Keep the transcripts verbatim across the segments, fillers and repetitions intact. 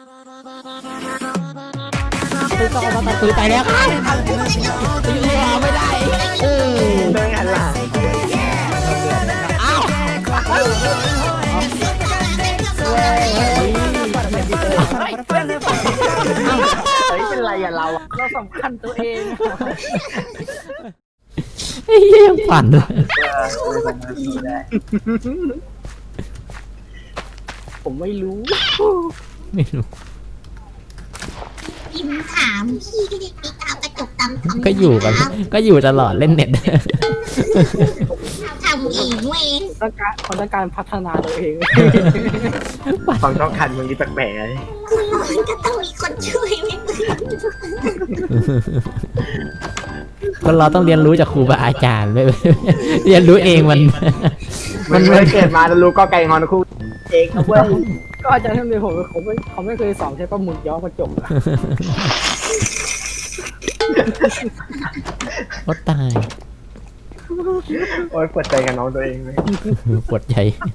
คือต่อมาตัดปืนไปแล้วครับอยู่รอไม่ได้เออเดินหันหลังอ้าวเฮ้ยเป็นไรอะเราเราสำคัญตัวเองไอ้เหี้ยยังปั่นเลยผมไม่รู้ไม่รู้พิมถามพี่ก็ยังไปตามกระจกตามทำก็อยู่กันก็อยู่ตลอดเล่นเน็ตทำเองเว้ยต้องการเขาต้องการพัฒนาตัวเองความต้องการมึงนี่แปลกๆเลยคุณนอนก็ต้องมีคนช่วยไม่ปืนคนเราต้องเรียนรู้จากครูบาอาจารย์ไม่ เรียนรู้เองมันมันไม่ได้เกิดมาแล้วรู้ก็ไก่งอนคู่เองนะเว้ยก็อาจารย์ท่านเดียวผมเขาไม่เขาไม่เคยสอนใช้ปลาหมึกย้อมกระจกอะก็ตายโอ๊ยปวดใจกับน้องตัวเองเลยปวดใจ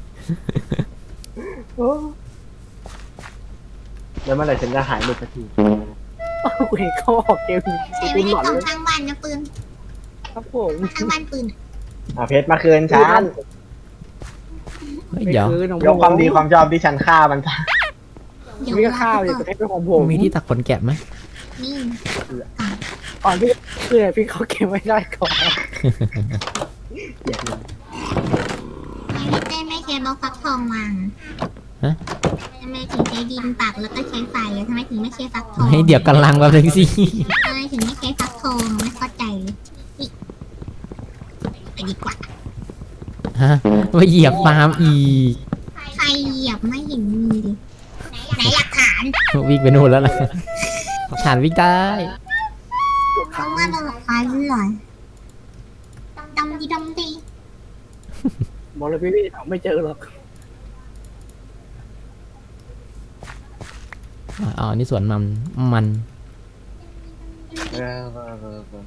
แล้วเมื่อไหร่ฉันจะหายหลุดสักทีกูเห็นเขาออกเกมใช้ปืไม่นหได้ลอนของเลยทางบ้านนะปืนครับผมทางบ้านปืนอ่ะเพชรมาคืนฉันเฮ้ยเดี๋ยวคือน้องยกความดีความชอบที่ฉันฆ่ามันซะเดี๋ยวมีข้าวอยู่แต่ให้เป็นของผมมีที่ตักขนแกะไหมนี่ก่อนพี่คือพี่เขาเก็บไม่ได้ก่อนอย่าลืมไม่ได้ไม่ใช้บล็อกฟักทองวางฮะทำไมถึงใช้ดินปักแล้วก็ใช้ไฟทำไมถึงไม่ใช้ฟักทองให้เดี๋ยวกำลังแบบนึงสิทำไมถึงไม่ใช้ฟักทองไม่เข้าใจเลยนี่ไปดีกว่าฮะมาเหยียบฟาร์มอีกใครเหยียบไม่เห็นมีเลยไหนหลักฐานวิ่งไปนู่นแล้วล่ะฐานวิ่งได้เขาว่าเราหลักฐานเหรอดำดีดำดีบอกเลยพี่พี่หาไม่เจอหรอกอ๋อนี่สวนมันมันเออเออเออเออ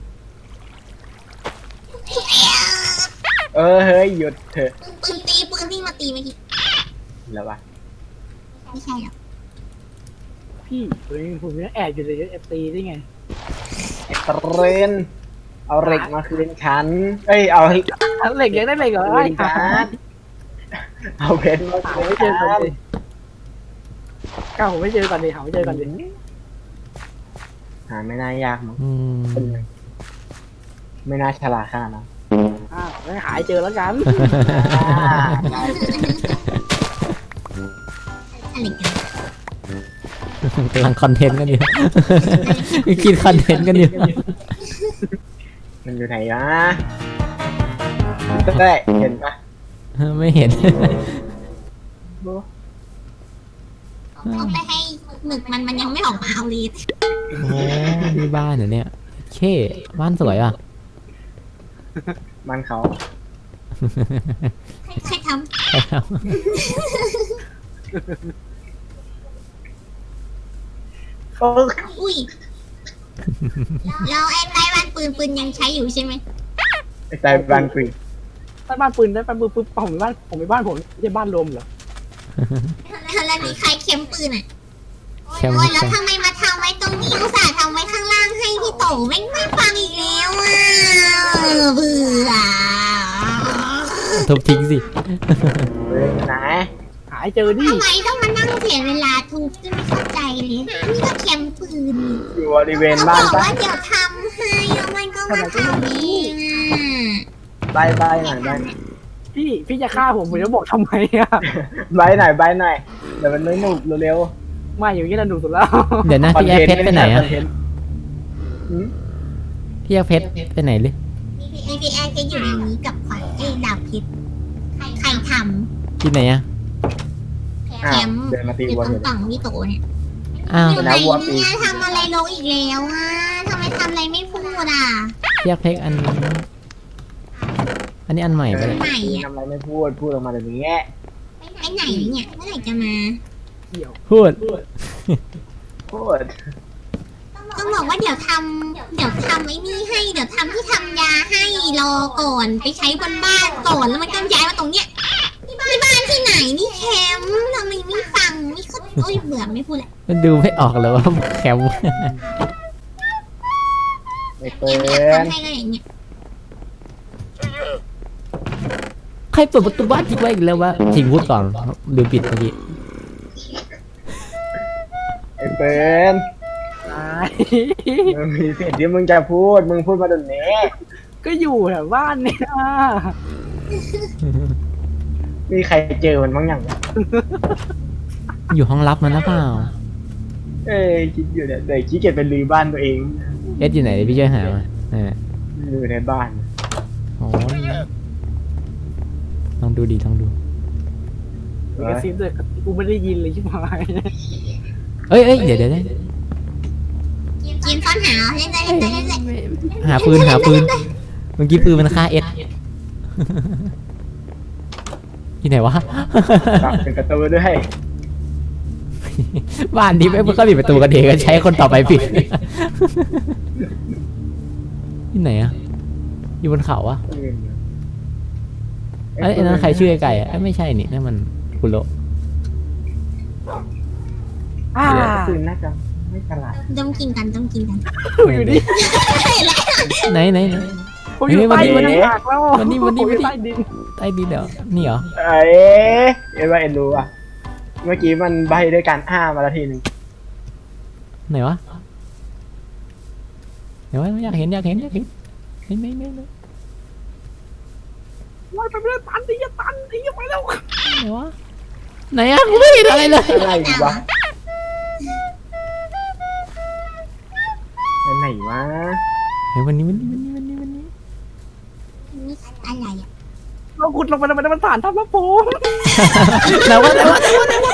เออเฮ้ยหยุดเถอะปืนตีปืนที่มาตีเมื่อกี้แล้ววะไม่ใช่หรอกพี่ผมยังผมยังแอบอยู่เลยเอฟตีได้ไงไอ้เทรนเอาเหล็กมาคืนฉันเอ้ยเอาอันเหล็กยังได้เหล็กเหรอคืไอ้นฉันเอาเพชรมาหาคืนไม่เจฉัอก่อนนดิก้าวผมไม่เจอก่อนดิหาไม่เจอก่อนดิหาไม่น่ายากมั้งอืมไม่น่าฉลาดขนาดนั้นอ้าวไม่หายเจอแล้วกันอะไรกันกำลังคอนเทนต์กันอยู่ คิดคอนเทนต์กันอยู่มันอยู่ไหนวะได้เห็นปะไม่เห็นต้องไปให้หมึกมันมันยังไม่ออกมาเอาเลยโอ้นี่บ้านเหรอเนี่ยเคบ้านสวยอ่ะมันเขาใครทไปแล้วโอ้ำอุ้ยแล้วไอ้ไต้หวันปืนปืนยังใช้อยู่ใช่ไหมไอ้ใจบางกรีได้บ้านปืนได้บ้านปืนปุ๊บผมมีบ้านผมมีบ้านผมไม่ใช่บ้านรวมเหรอแล้วนี่ใครเข็มปืนอ่ะแค่โอ้ไม่ยแล้วใช่ทำไมมาทำไว้ตรงนี้อุตส่าห์ทำไว้ข้างล่างให้พี่โตไม่ไม่ฟังอีกแล้วอ่ะเบื่อทุบทิ้งสิเฮ้ยไหนหายเจอดิทำไมต้องมานั่งเสียเวลาทุบจะไม่เข้าใจเลยนี่ก็เข็มปืนอยู่บริเวณเขาบ้าบนอกปะว่าเดี๋ยวทำให้แล้วมันก็มาทำเองอ่ะใบใบหน่อยใบพี่พี่จะฆ่าผมผมจะบอกทำไมอ่ะใบหน่อยใบหน่อยเดี๋ยวมันไม่หนุกเร็วไม่อย่างนี้เราดูสุดแล้วเดี๋ยวนะๆพี่แอร์เพชรไปไหนอ่ะคเทต์หืมพี่แอร์เพชรไปไหนหรือไอพีแอร์จะอยู่ในนี้กับขวัญไอ้ดาวพิษใครทที่ไหนอ่ะำอ้าแควมป์เดินมาตีอยู่วัวตรเลงยต่องพี่โตเนี่ยอ้าวอยู่ไหนเนี่ยทำอะไรลงอีกแล้วอ่ะทำไมทำอะไรไม่พูดอ่ะพี่แอร์เพชรอัน อันนี้อันใหม่ไปเลยไหนอ่ะทำอะไรไม่พูดพูดออกมาแบบนี้ไปไหนเนี่ยเมื่อไหร่จะมาเกี่ยวพูดพูดต้องบอกว่าเดี๋ยวทำเดี๋ยวทำไอ้นี่ให้เดี๋ยวทำที่ทำยาให้รอก่อนไปใช้บนบ้านก่อนแล้วมันก็ย้ายมาตรงเนี้ยที่บ้านที่ไหนนี่แคมป์ทำไมไม่ฟังไม่เข้าโอ้ยเบื่อไม่พูดแหละมันดูไม่ออกเลยว่าแคมป์ไอ้เปิเกมอยากนทำให้ก็อย่างเงี้ยใครเปิดประตูบ้านทิ้งไว้อีกแล้ววะทิ้งพูดก่อนลืมปิดเมื่อกี้ไอ้เปินตายมึงมีสิทธิ์ที่มึงจะพูดมึงพูดมาตรงนี้ก็อยู่แถวบ้านเนี่ยมีใครเจอมันบ้างยังอยู่ห้องลับมันหรือเปล่าเอ้ยคิดอยู่เนี่ยเดี๋ยวขี้เกียจเป็นรื้อบ้านตัวเองเอสอยู่ไหนเดี๋ยวพี่ช่วยหามาอ่าอยู่ในบ้านโอ้ยลองดูดีลองดูมีกระซิบเลยกูไม่ได้ยินเลยชิบหายเอ้ยเอ้ยเดี๋ยวเดี๋ยวเดี๋ยวเกมซ่อนหาเล่นได้เล่นได้เล่นได้หาปืนหาปืนเมื่อกี้ปืนมันฆ่าเอสที่ไหนวะตักเป็นประตูด้วยบ้านนี้ไม่ก็ปิดประตูกันเองก็ใช้คนต่อไปปิด ที่ไหนอะอยู่บนเขาอะไอ้ยอันนั้นใครชื่อไอ้ไก่อะเอ้ยไม่ใช่นี่นั่นมันคุโระอ่าคืนน่าจะไม่ฉลาดต้องกินกันต้องกินกันอยู่นี่ไหนไหนไหนผมอยู่ใต้วันนี้ดินหักแล้ววันนี้วันนี้ผมอยู่วันนี้ใต้ดินใต้ดินเดี๋ยวนี่เหรอเอ้ยเอ็นว่าเอ็นรู้อ่ะ เมื่อกี้มันใบด้วยการอ้ามาละทีหนึงไหนวะไหนวะอยากเห็นอยากเห็นอยากเห็นไหนไหนไหนไหนว่ายไปไม่ได้ตันไอ้ยตันไอ้ยไปแล้วไหนวะไหนอะกูไม่เห็นอะไรเลยอะไรวะเป็นไหนวะเฮ้ยวันนี้วันนี้วันนี้วันนี้วันนี้นี่อะไรอ่ะเราขุดลงไปทำไมมันผ่านทับพระภูมิไหนวะไหนวะ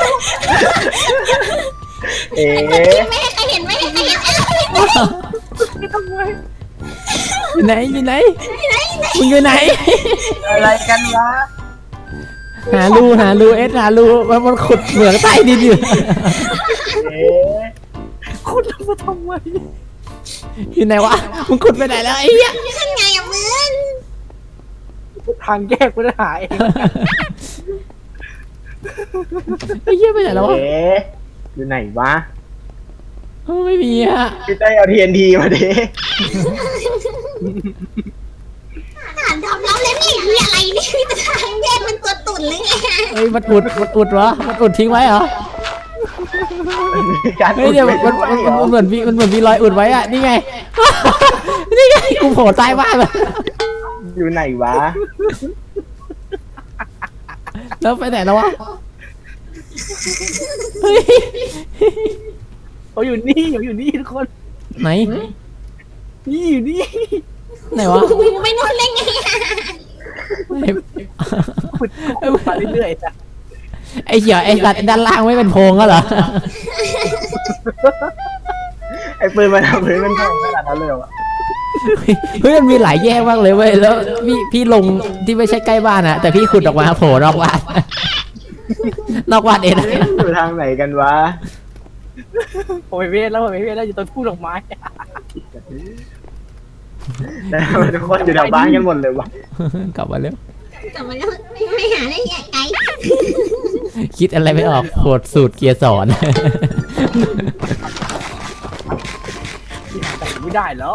เอ๊ะไม่ให้ใครเห็นไม่ให้ใครเห็นไม่ทำไมอยู่ไหนอยู่ไหนมึงอยู่ไหนอะไรกันวะหารูหารูเอสหารูมันมันขุดเหมืองใต้ดินอยู่เอ๊ะขุดลงมาทำไมอยู่ไหนวะมึงขุดไปไหนแล้วไอ้เหี้ยขึ้นไงอ่ะมึงทางแยกไม่ได้หายไอ้เหี้ยไปไหนแล้ววะเอ๊ะอยู่ไหนวะเอ้าไม่มีอะพี่เต้ยเอาทีเอ็นทีมาดิฐานทำแล้วแล้วนี่มีอะไรนี่มีแต่ทางแยกเป็นตัวตุ่นหรือไงเฮ้ยมันอุดมันอุดวะมันอุดทิ้งไว้เหรอการเฮ้ยเดี๋ยวมันมันมันมันเหมือนมีมันเหมือนมีรอยอุดไว้อะนี่ไง นี่ไงกูโผล่ใต้บ้านมาอยู่ไหนวะแล้วไปไหนแล้ววะเฮ้ยเขาอยู่นี่เขาอยู่นี่ทุกคนไหนนี่อยู่นี่ไหนวะมึงไม่นู่นเล่นไงขุดขุดมาเรื่อยๆนะไอ้เหี้ยไอ้สัตว์ด้านล่างไม่เป็นโพรงก็เหรอไอ้ปืนมันทำปืนมันแข็งขนาดนั้นเลยเหรอวะเฮ้ยมันมีหลายแยกมากเลยเว้ยแล้วพี่พี่ลงที่ไม่ใช่ใกล้บ้านอะแต่พี่ขุดออกมาโผล่นอกบ้าน นอกบ้านเองนะอยู่ทางไหนกันวะผมไปเวทแล้วผมไปเวทแล้วอยู่ต้นพูดดอกไม้แล้วทำไมทุกคนอยู่แถวบ้านกันหมดเลยวะกลับมาเร็วแต่มันไม่ไม่หาได้ไงไกลคิดอะไรไม่ออกโหดสูตรเกียร์สอนที่หาแต่ไม่ได้เหรอ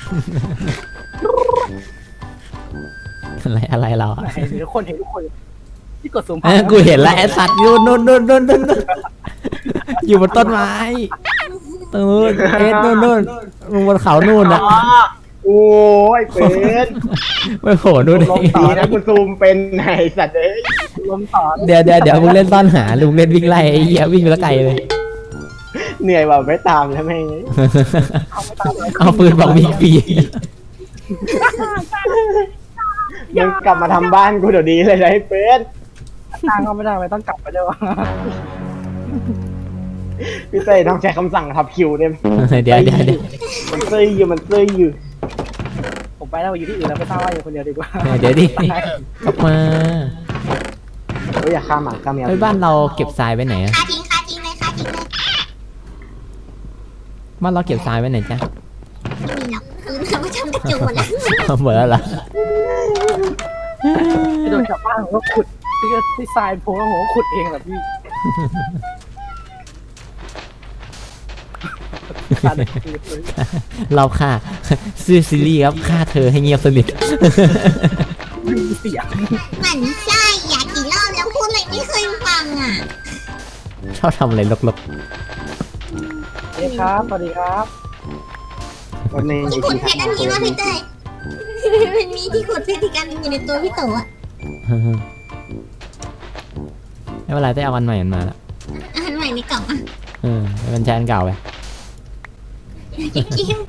อะไรอะไรเราอะเห็นทุกคนเห็นทุกคนที่กดซูมเออกูเห็นแล้วไอ้สัตว์อยู่นู่นนู่นนู่นนู่นนู่นอยู่บนต้นไม้ตรงนู้นเอ็ดนู่นนู่นมึงบนเขานู่นนะอ๋อโอ้ยเป็นไม่โผล่นู่นลงเองดีนะกูซูมเป็นไอ้สัตว์เอ้ยลมต่อเดี๋ยวเดี๋ยวเดี๋ยวมึงเล่นซ่อนหาลุงเล่นวิ่งไล่ไอ้เหี้ยวิ่งไปแล้วไกลเลยเหนื่อยว่ะไม่ตามแล้วแม่งเอาปืนบอกมีปีมึงกลับมาทำบ้านกูเดี๋ยวนี้เลยนะไอ้เป็นทางเขาไม่ได้ไปต้องกลับไปด้วยวะพี่เต้ยต้องใช้คำสั่งทับคิวเนี่ยเดี๋ยวเดี๋ยวเดี๋ยวมันเต้ยอยู่มันเต้ยอยู่ผมไปแล้วอยู่ที่อื่นแล้วไม่ทราบว่าอยู่คนเดียวดีกว่าเดี๋ยวดิกลับมาเฮ้ยอย่าฆ่าหมาฆ่าแมวเฮ้ยบ้านเราเก็บทรายไว้ไหนอะคาทิ้งคาทิ้งเลยคาทิ้งเลยบ้านเราเก็บทรายไว้ไหนจ๊ะไม่มีหรอกคือเราไม่ทำกระจุกหมดแล้วเหมือนเหรอที่โดนชาวบ้านผมก็ขุดที่ที่ทรายโพแล้วผมก็ขุดเองแบบพี่ขาดเลยเราฆ่าซื้อซีรีส์ครับฆ่าเธอให้เงียบสนิทไม่มีเสียงหมันไส้อยากกี่รอบแล้วพูดอะไรไม่เคยฟังอ่ะชอบทำอะไรลกสวัสดีครับสวัสดีครับวันนี้ที่ขุดเพชรอันนี้ว่าพี่เต้ยมันมีที่ขุดเพชรอีกอันหนึงอยู่ในตัวพี่โตอ่ะๆไม่เป็นไรได้เอาวันใหม่มันมาละอันใหม่ในกล่องอ่ะเออมันใช้อันเก่าไปจริง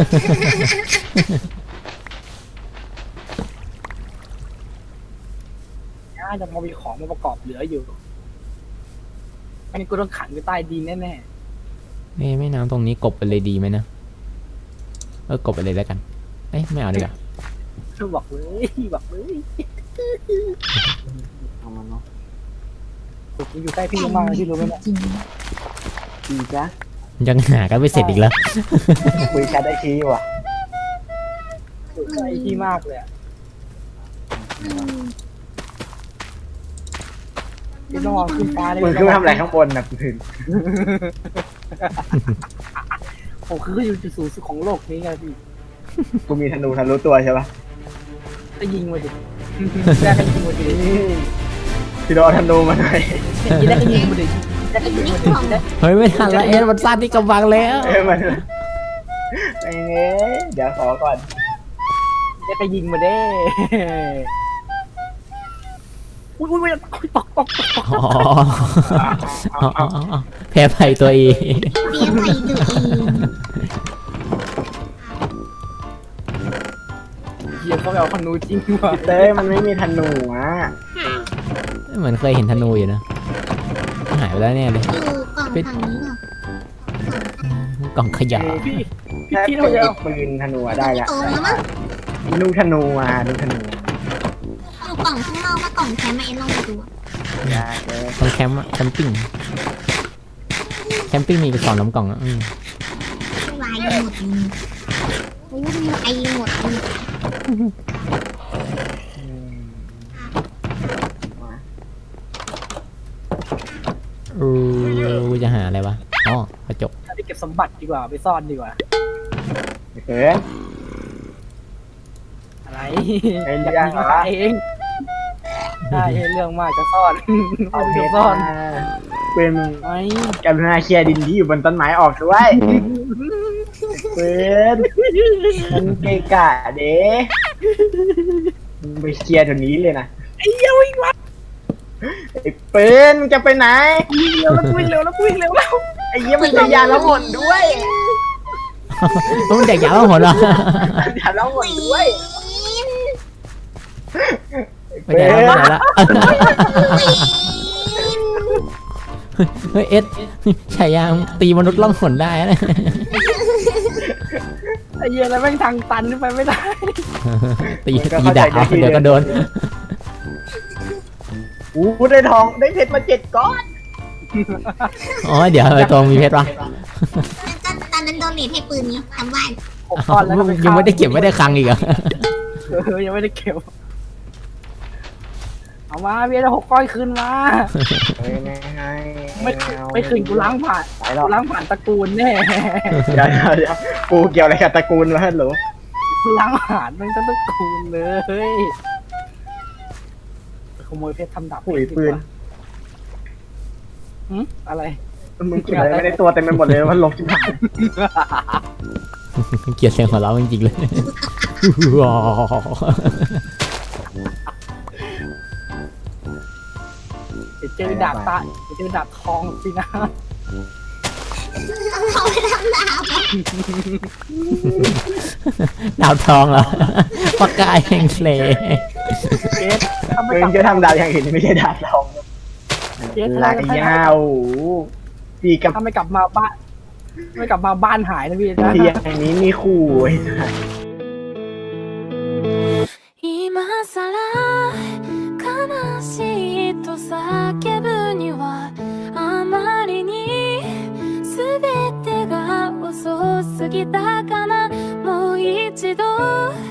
น่าจะพอมีของมาประกอบเหลืออยู่อันนี้กูต้องขังอยู่ใต้ดินแน่เอ้ยไม่น้ำตรงนี้กบไปเลยดีไหมนะเออกบไปเลยแล้วกันเอ้ยไม่เอาดีกว่าๆช่วยบอกเลยบอกเลยเอามาเนาะกูอยู่ใกล้พี่มากเลยพี่รู้ไหมเนี่ยจริงดีจ้ะยังหากันไม่เสร็จอีกแล้วคุยแชทได้ทีว่ะอยู่ใกล้พี่มากเลยอะอืมพี่ต้องมองขึ้นฟ้าเลยมึงขึ้นมาทำอะไรข้างบนนะมึงผมคืออยู่จุดสูงสุดของโลกนี้ไงพี่กูมีธนูทะลุตัวใช่ปะจะยิงมาดิได้ก็ยิงมาดิพี่โดนธนูมาหน่อยยิงได้ก็ยิงมาดิได้ก็ยิงมาดิได้เฮ้ยไม่ทันแล้วเอ็ดมันสั้นที่กำบังแล้วเอ้ยมันไอ้เงี้ยเดี๋ยวขอก่อนได้ก็ยิงมาเด้อุ้ยอุ้ยอุ้ยตกตกตกตกอ๋ออ๋ออ๋ออ๋อแพ้ภัยตัวเองเรียกไปดูเองเฮียเขาไปเอาขนูจริงว่ะเต้ยมันไม่มีธนูอ่ะเหมือนเคยเห็นธนูอยู่นะหายไปแล้วเนี่ยเลยอยู่กล่องฝั่งนี้เหรอกล่องขยะพี่พี่แค่พี่เป็เรานจะไอ้เอาปืนธนูอะได้ละโตแล้วมั้งลูกธนูมาลูกธนูอยู่กล่องข้างนอกว่ากล่องแคมป์มาเอ็นลองไปดูอะยากเลยตรงแคมป์อะแคมปิ้งแคมปิ้งมีกระสอบน้ำกล่องอ่ะอืมวายหมดเลยโอ้ยมีไอหมดเลยอืมมาเออกูจะหาอะไรวะอ๋อกระจกไปเก็บสมบัติดีกว่าไปซ่อนดีกว่าเกินอะไรเอ้ยอยากยากยิงเหรอมาเองใช่เรื่องมากจะซ่อนเอาเอาเพจะชรซ่อนมาปืนมึงไม่กรุณาเคลียร์ดินที่อยู่บนต้นไม้ออกด้วยปืนมันเกะกะเด้มึงไปเคลียร์แถวนี้เลยนะไอ้เหี้ยวิ่งมาไอ้ปืนมึงจะไปไหนวิ่งเร็วแล้ววิ่งเร็วแล้ววิ่งเร็วแล้วไอ้เหี้ยมันจะยาละหมดด้วยต้องเด็กยาวหมดเหรอยาละหมดด้วยไม่ได้แล้วไม่ได้แล้วเฮ้ยเอ็ดฉายางตีมนุษย์ล่องหนได้นะไอ้เหี้ยแล้วแม่งทางตันขึ้นไปไม่ได้ตีตีดาบเดี๋ยวก็โดนอู้ได้ทองได้เพชรมาเจ็ดก้อนอ๋อเดี๋ยวไอ้ตรงมีเพชรวะตอนนั้นโดนเนทให้ปืนนี้ทำบ้านหกก้อนแล้วก็ปยังไม่ได้เก็บไม่ได้คลังอีกเหรอเออยังไม่ได้เก็บเอามาเบียร์หกก้อนคืนมาเฮ้ยไม่ให้ไม่ไม่คืนกูล้างผ่านไปหรอกูล้างผ่านตระกูลแน่เดี๋ยวเดี๋ยวเดี๋ยวกูเกี่ยวอะไรกับตระกูลวะฮัลโหลกูล้างผ่านแม่งทั้งตระกูลเลยขโมยเพชรทำดาบปุ๋ยปืนหืมอะไรมึงเก็บอะไรไม่ได้ตัวเต็มไปหมดเลยมันลบชิบหายเกลียดเสียงของเราจริงๆเลยเดี๋ยวเจอดาบตาเดี๋ยวเจอดาบทองสินะเขาไปทำดาบอะดาวทองเหรอปากกายแห่งทะเลเจสถ้าไม่มึกลังบจะทำดาวอย่างอื่นไม่ใช่ดาวทองเจสลาถ้ายาวตีกับถ้าไม่กลับมาบ้านไม่กลับมาบ้านหายนะพี่นะตีอย่างนี้มีคู่ไอ้สัส今さら悲しいと叫ぶにはあまりに全てが遅すぎたかなもう一度